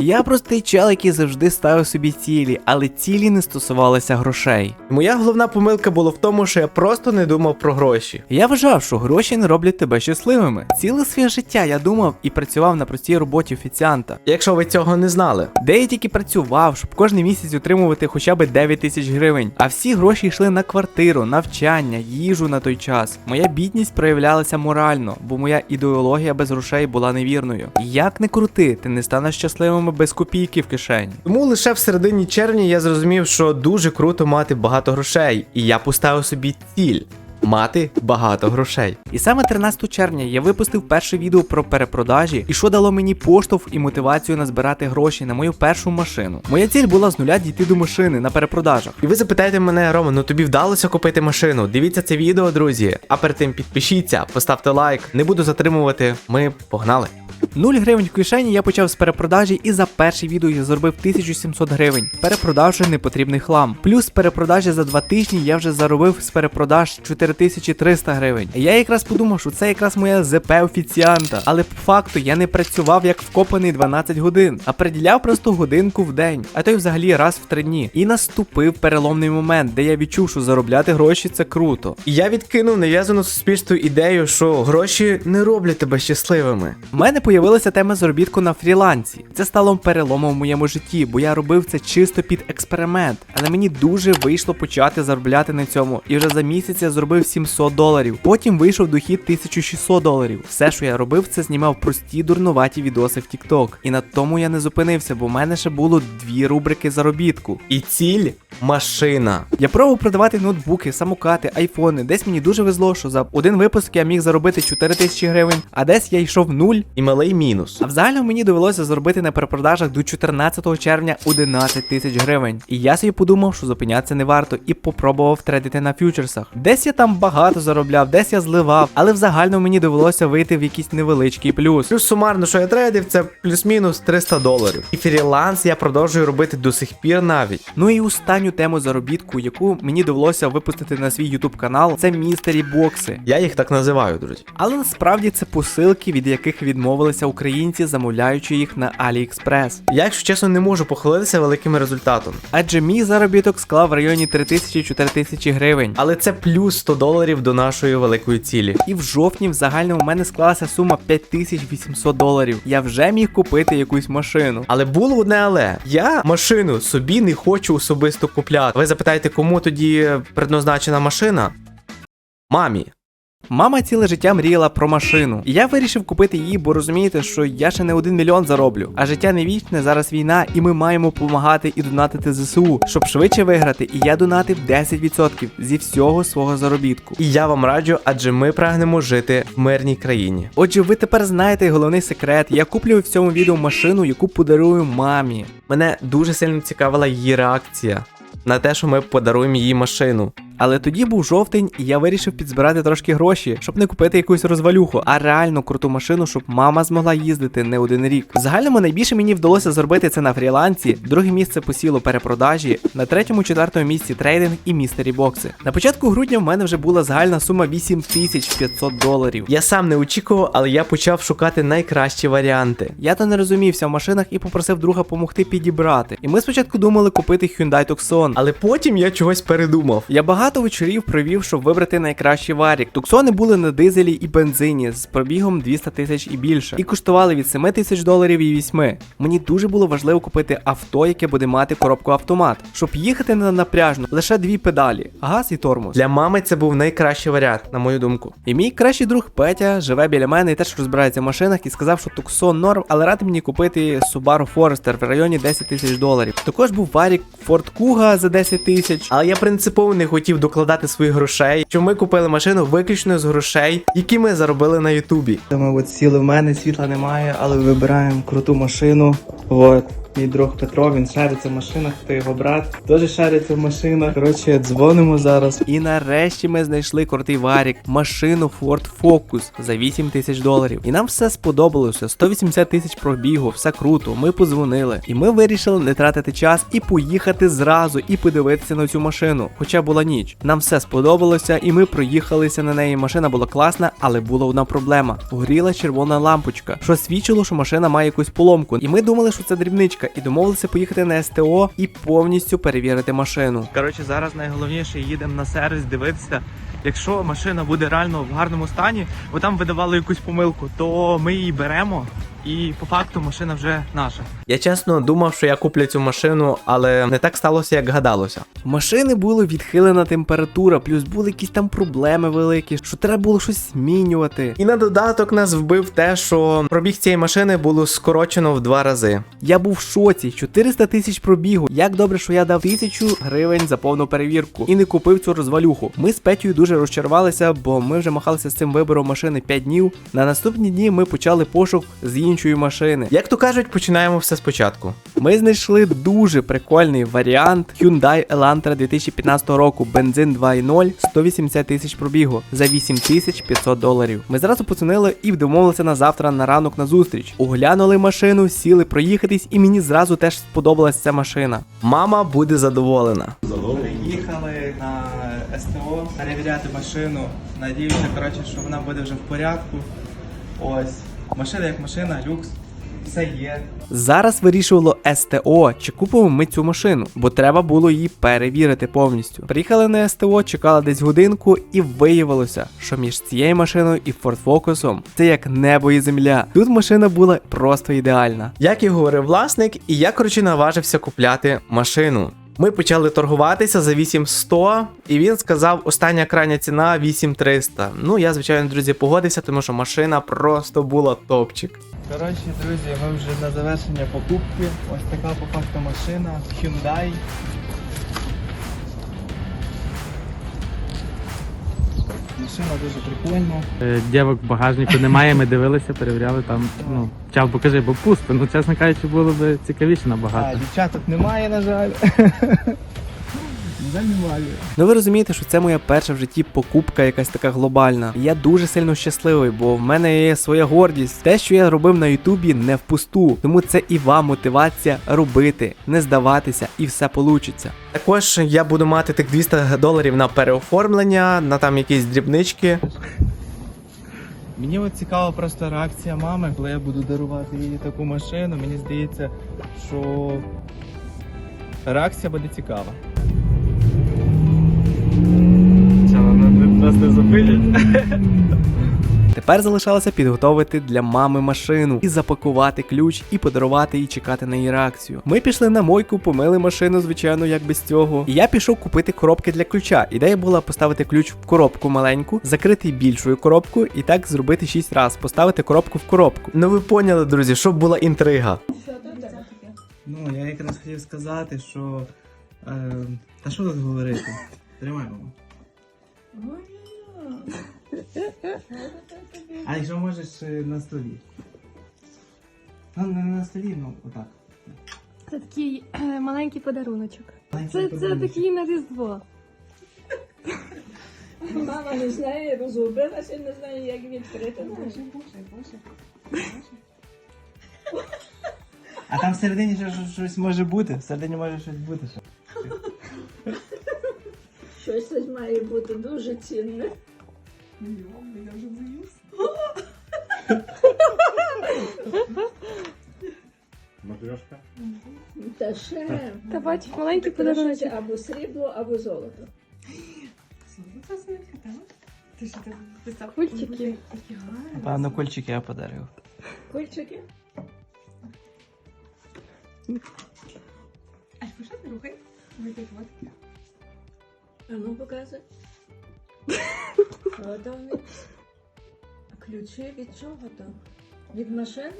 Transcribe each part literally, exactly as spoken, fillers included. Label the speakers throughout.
Speaker 1: Я простий чел, який завжди ставив собі цілі, але цілі не стосувалися грошей.
Speaker 2: Моя головна помилка була в тому, що я просто не думав про гроші.
Speaker 1: Я вважав, що гроші не роблять тебе щасливими. Ціле своє життя я думав і працював на простій роботі офіціанта.
Speaker 2: Якщо ви цього не знали.
Speaker 1: Де я тільки працював, щоб кожен місяць отримувати хоча б дев'ять тисяч гривень. А всі гроші йшли на квартиру, навчання, їжу на той час. Моя бідність проявлялася морально, бо моя ідеологія без грошей була невірною. Як не крути, ти не станеш щасливим без копійки в кишені.
Speaker 2: Тому лише в середині червня я зрозумів, що дуже круто мати багато грошей. І я поставив собі ціль. Мати багато грошей.
Speaker 1: І саме тринадцятого червня я випустив перше відео про перепродажі, і що дало мені поштовх і мотивацію назбирати гроші на мою першу машину. Моя ціль була з нуля дійти до машини на перепродажах.
Speaker 2: І ви запитаєте мене, Рома, ну тобі вдалося купити машину? Дивіться це відео, друзі. А перед тим підпишіться, поставте лайк. Не буду затримувати. Ми погнали.
Speaker 1: нуль гривень в кишені я почав з перепродажі, і за перше відео я заробив тисячу сімсот гривень, перепродавши непотрібний хлам. Плюс з перепродажі за два тижні я вже заробив з перепродаж чотири тисячі триста гривень. Я якраз подумав, що це якраз моя ЗП офіціанта, але по факту я не працював як вкопаний дванадцять годин, а приділяв просто годинку в день, а то й взагалі раз в три дні. І наступив переломний момент, де я відчув, що заробляти гроші це круто.
Speaker 2: І я відкинув нав'язану суспільству ідею, що гроші не роблять тебе щасливими.
Speaker 1: У мене появилася тема заробітку на фрілансі. Це стало переломом в моєму житті, бо я робив це чисто під експеримент. Але мені дуже вийшло почати заробляти на цьому. І вже за місяць я зробив сімсот доларів. Потім вийшов дохід тисяча шістсот доларів. Все, що я робив, це знімав прості дурнуваті відоси в TikTok. І на тому я не зупинився, бо в мене ще було дві рубрики заробітку.
Speaker 2: І ціль – машина.
Speaker 1: Я пробував продавати ноутбуки, самокати, айфони. Десь мені дуже везло, що за один випуск я міг заробити чотири тисячі гривень, а десь я йшов в нуль.
Speaker 2: І малий мінус.
Speaker 1: А в загальному мені довелося заробити на перепродажах до чотирнадцятого червня одинадцять тисяч гривень. І я собі подумав, що зупинятися не варто, і попробував трейдити на фьючерсах. Десь я там багато заробляв, десь я зливав, але в загальному мені довелося вийти в якийсь невеличкий плюс.
Speaker 2: Плюс сумарно, що я трейдив, це плюс-мінус триста доларів. І фріланс я продовжую робити до сих пір навіть.
Speaker 1: Ну і останню тему заробітку, яку мені довелося випустити на свій YouTube канал, це містері бокси.
Speaker 2: Я їх так називаю, друзі.
Speaker 1: Але насправді це посилки, від яких відмовилися українці, замовляючи їх на AliExpress.
Speaker 2: Я, якщо чесно, не можу похвалитися великим результатом.
Speaker 1: Адже мій заробіток склав в районі три тисячі - чотири тисячі гривень.
Speaker 2: Але це плюс сто доларів до нашої великої цілі.
Speaker 1: І в жовтні в загальному в мене склалася сума п'ять тисяч вісімсот доларів. Я вже міг купити якусь машину.
Speaker 2: Але було одне але. Я машину собі не хочу особисто купляти. Ви запитаєте, кому тоді предназначена машина? Мамі.
Speaker 1: Мама ціле життя мріяла про машину. І я вирішив купити її, бо розумієте, що я ще не один мільйон зароблю. А життя не вічне, зараз війна, і ми маємо допомагати і донатити ЗСУ, щоб швидше виграти. І я донатив десять відсотків зі всього свого заробітку.
Speaker 2: І я вам раджу, адже ми прагнемо жити в мирній країні.
Speaker 1: Отже, ви тепер знаєте головний секрет. Я куплю в цьому відео машину, яку подарую мамі.
Speaker 2: Мене дуже сильно цікавила її реакція на те, що ми подаруємо їй машину.
Speaker 1: Але тоді був жовтень, і я вирішив підзбирати трошки гроші, щоб не купити якусь розвалюху, а реально круту машину, щоб мама змогла їздити не один рік. В загальному найбільше мені вдалося зробити це на фрілансі, друге місце посіло перепродажі, на третьому-четвертому місці трейдинг і містері бокси. На початку грудня в мене вже була загальна сума вісім тисяч п'ятсот доларів.
Speaker 2: Я сам не очікував, але я почав шукати найкращі варіанти.
Speaker 1: Я то не розумівся в машинах і попросив друга допомогти підібрати. І ми спочатку думали купити Hyundai Tucson,
Speaker 2: Але потім я чогось передумав.
Speaker 1: Я багато вечорів провів, щоб вибрати найкращий варік. Туксони були на дизелі і бензині з пробігом двісті тисяч і більше. І коштували від семи тисяч доларів і восьми. Мені дуже було важливо купити авто, яке буде мати коробку автомат, щоб їхати не напряжно, лише дві педалі, газ і тормоз.
Speaker 2: Для мами це був найкращий варіант, на мою думку.
Speaker 1: І мій кращий друг Петя живе біля мене і теж розбирається в машинах і сказав, що Tucson норм, але радив мені купити Subaru Forester в районі десять тисяч доларів. Також був варік Ford Kuga за десять тисяч.
Speaker 2: Але я принципово не хотів докладати своїх грошей, що ми купили машину виключно з грошей, які ми заробили на Ютубі.
Speaker 1: Ми от сіли в мене, світла немає, але вибираємо круту машину. От. мій друг Петро, він шариться в машинах, то його брат теж шариться в машинах. Коротше, дзвонимо зараз. І нарешті ми знайшли крутий варік, машину Ford Focus за вісім тисяч доларів. І нам все сподобалося, сто вісімдесят тисяч пробігу, все круто, ми позвонили. І ми вирішили не тратити час і поїхати зразу і подивитися на цю машину. Хоча була ніч. Нам все сподобалося і ми проїхалися на неї. Машина була класна, але була одна проблема. Горіла червона лампочка, що свідчило, що машина має якусь поломку. І ми думали, що це дрібничка, і домовилися поїхати на СТО і повністю перевірити машину. Коротше, зараз найголовніше їдемо на сервіс дивитися. Якщо машина буде реально в гарному стані, бо там видавали якусь помилку, то ми її беремо. І по факту машина вже наша.
Speaker 2: Я чесно думав, що я куплю цю машину, але не так сталося, як гадалося.
Speaker 1: В машини була відхилена температура, плюс були якісь там проблеми великі, що треба було щось змінювати.
Speaker 2: І на додаток нас вбив те, що пробіг цієї машини було скорочено в два рази.
Speaker 1: Я був в шоці, чотириста тисяч пробігу. Як добре, що я дав тисячу гривень за повну перевірку і не купив цю розвалюху. Ми з Петю дуже розчарувалися, бо ми вже махалися з цим вибором машини п'ять днів. На наступні дні ми почали пошук з іншої машини.
Speaker 2: Як то кажуть, починаємо все спочатку.
Speaker 1: Ми знайшли дуже прикольний варіант Hyundai Elantra дві тисячі п'ятнадцятого року, бензин два і ноль, сто вісімдесят тисяч пробігу за вісім тисяч п'ятсот доларів. Ми зразу подзвонили і домовилися на завтра на ранок на зустріч. Оглянули машину, сіли проїхатись, і мені зразу теж сподобалась ця машина.
Speaker 2: Мама буде задоволена.
Speaker 1: Приїхали на СТО перевіряти машину. Надіюся, коротше, що вона буде вже в порядку. Ось. Машина як машина, люкс, все є. Зараз вирішувало СТО, чи купимо ми цю машину, бо треба було її перевірити повністю. Приїхали на СТО, чекали десь годинку і виявилося, що між цією машиною і Ford Focus це як небо і земля. Тут машина була просто ідеальна.
Speaker 2: Як і говорив власник, і я, коротше, наважився купляти машину. Ми почали торгуватися за вісім сто, і він сказав, остання крайня ціна вісім триста. Ну, я, звичайно, друзі, погодився, тому що машина просто була топчик.
Speaker 1: Коротше, друзі, ми вже на завершення покупки. Ось така по факту машина Hyundai. Машина дуже прикольна.
Speaker 3: Е, Дівок в багажнику немає, ми дивилися, перевіряли там. Ну, чав, покажи, бо пусто. Ну, чесно кажучи, було б цікавіше
Speaker 1: А,
Speaker 3: набагато.
Speaker 1: дівчаток немає, на жаль. На жаль, немає. Ну ви розумієте, що це моя перша в житті покупка якась така глобальна. І я дуже сильно щасливий, бо в мене є своя гордість. Те, що я робив на Ютубі, не впусту. Тому це і вам мотивація робити, не здаватися, і все получиться.
Speaker 2: Також я буду мати тих двісті доларів на переоформлення, на там якісь дрібнички.
Speaker 1: Мені от цікава просто реакція мами, коли я буду дарувати їй таку машину. Мені здається, що реакція буде цікава. Це вона нас не зупинять. Тепер залишалося підготовити для мами машину і запакувати ключ, і подарувати і чекати на її реакцію. Ми пішли на мойку, помили машину, звичайно, як без цього. І я пішов купити коробки для ключа. Ідея була поставити ключ в коробку маленьку, закрити більшою коробку і так зробити шість разів, поставити коробку в коробку.
Speaker 2: Ну ви поняли, друзі, щоб була інтрига.
Speaker 1: Ну, я якраз хотів сказати, що... Е, та що тут говорити? Тримай, мама. А якщо можеш е, на столі? Ну, не на столі, ну, отак.
Speaker 4: Це такий е, маленький подаруночок.
Speaker 1: Маленький
Speaker 4: Це, це
Speaker 1: подаруночок.
Speaker 4: такий на Різдво.
Speaker 5: Мама не знає, розгубилася, не знає, як відкрити.
Speaker 1: А там всередині ще щось- щось може бути? Всередині може щось бути ще.
Speaker 5: Щось тут має бути дуже цінне.
Speaker 6: Матрешка.
Speaker 5: Та ще.
Speaker 4: Та бачиш, маленький подаруночок.
Speaker 5: Подарунок або срібло, або золото.
Speaker 4: Кульчики.
Speaker 1: Певно, кольчики я подарив.
Speaker 5: Кульчики. А ну показуй. От вони. Ключі від чого то? Від машини?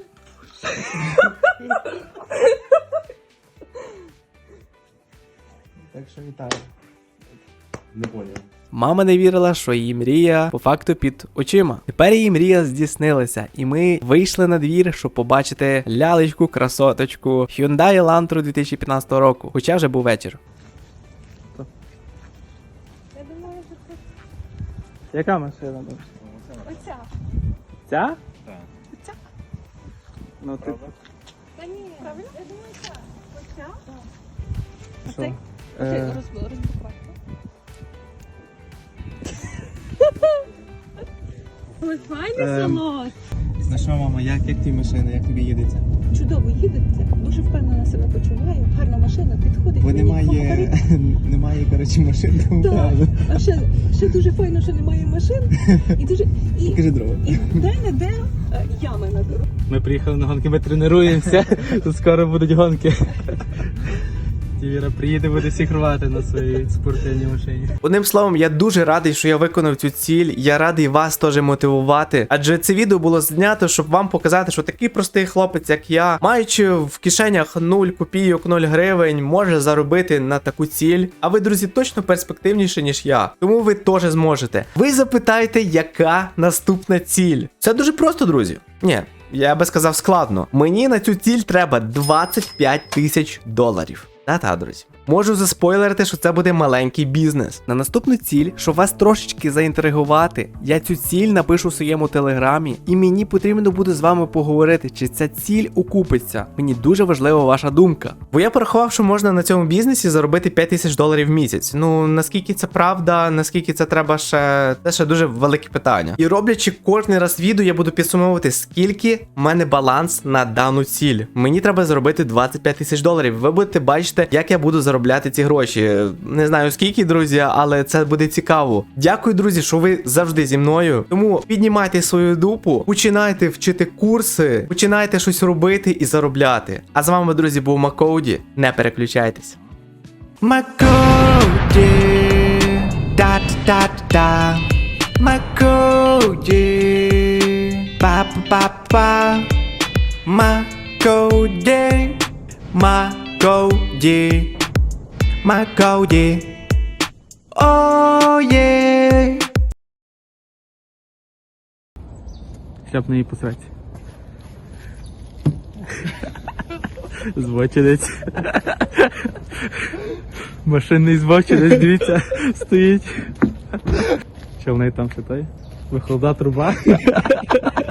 Speaker 1: Так що вітаю.
Speaker 6: Не понял.
Speaker 1: Мама не вірила, що її мрія по факту під очима. Тепер її мрія здійснилася, і ми вийшли на двір, щоб побачити лялечку, красоточку Hyundai Elantra дві тисячі п'ятнадцятого року, хоча вже був вечір.
Speaker 4: Я думаю, що це
Speaker 3: Яка машина?
Speaker 4: оця.
Speaker 3: Ця?
Speaker 6: Так.
Speaker 4: Оця.
Speaker 3: Ну ти
Speaker 4: Та ні, правильно? Я думаю, ця. Оця?
Speaker 3: що?
Speaker 4: Оцей? Оцей
Speaker 3: Е,
Speaker 4: роз- розблокувати. Ой, файний
Speaker 3: Ем.
Speaker 4: салон.
Speaker 3: Ну що, мама, як, як ті машини, як тобі їдеться?
Speaker 5: Чудово їдете, дуже впевнено себе почуваю. Гарна машина, підходить.
Speaker 3: Бо
Speaker 5: мені,
Speaker 3: немає,
Speaker 5: фаворит.
Speaker 3: немає, коротше, машин, тому
Speaker 5: Так.
Speaker 3: правда.
Speaker 5: А ще, ще дуже файно, що немає машин. І дуже і,
Speaker 3: Покажи дрова.
Speaker 5: і де-не-де е, ями на дорогу.
Speaker 3: Ми приїхали на гонки, ми тренуємося, тут скоро будуть гонки. Віра приїде, буде всіх рвати на своїй спортивній машині.
Speaker 2: Одним словом, я дуже радий, що я виконав цю ціль. Я радий вас теж мотивувати. Адже це відео було знято, щоб вам показати, що такий простий хлопець, як я, маючи в кишенях нуль копійок, нуль гривень, може заробити на таку ціль. А ви, друзі, точно перспективніші, ніж я. Тому ви теж зможете. Ви запитаєте, яка наступна ціль. Це дуже просто, друзі. Ні. Я би сказав складно. Мені на цю ціль треба двадцять п'ять тисяч доларів. Та-та, друзі. Можу заспойлерити, що це буде маленький бізнес.
Speaker 1: На наступну ціль, щоб вас трошечки заінтригувати, я цю ціль напишу в своєму телеграмі, і мені потрібно буде з вами поговорити, чи ця ціль окупиться. Мені дуже важлива ваша думка.
Speaker 2: Бо я порахував, що можна на цьому бізнесі заробити п'ять тисяч доларів в місяць. Ну, наскільки це правда, наскільки це треба ще... Це ще дуже велике питання. І роблячи кожен раз відео, я буду підсумовувати, скільки в мене баланс на дану ціль. Мені треба заробити двадцять п'ять тисяч доларів. Ви будете бачити, як я буду заробляти ці гроші. Не знаю скільки, друзі, але це буде цікаво. Дякую, друзі, що ви завжди зі мною. Тому піднімайте свою дупу, починайте вчити курси, починайте щось робити і заробляти. А з вами, друзі, був Макоуді. Не переключайтесь.
Speaker 1: Макоуді, да-да-да-да, Макоуді, па-па-па-па, Макоуді, Макоуді, Макоуді, о є.
Speaker 3: Хляп на її посраці. Збочинець. Машинний збочинець, дивіться, стоїть. Що в неї там що той? Вихлопна труба.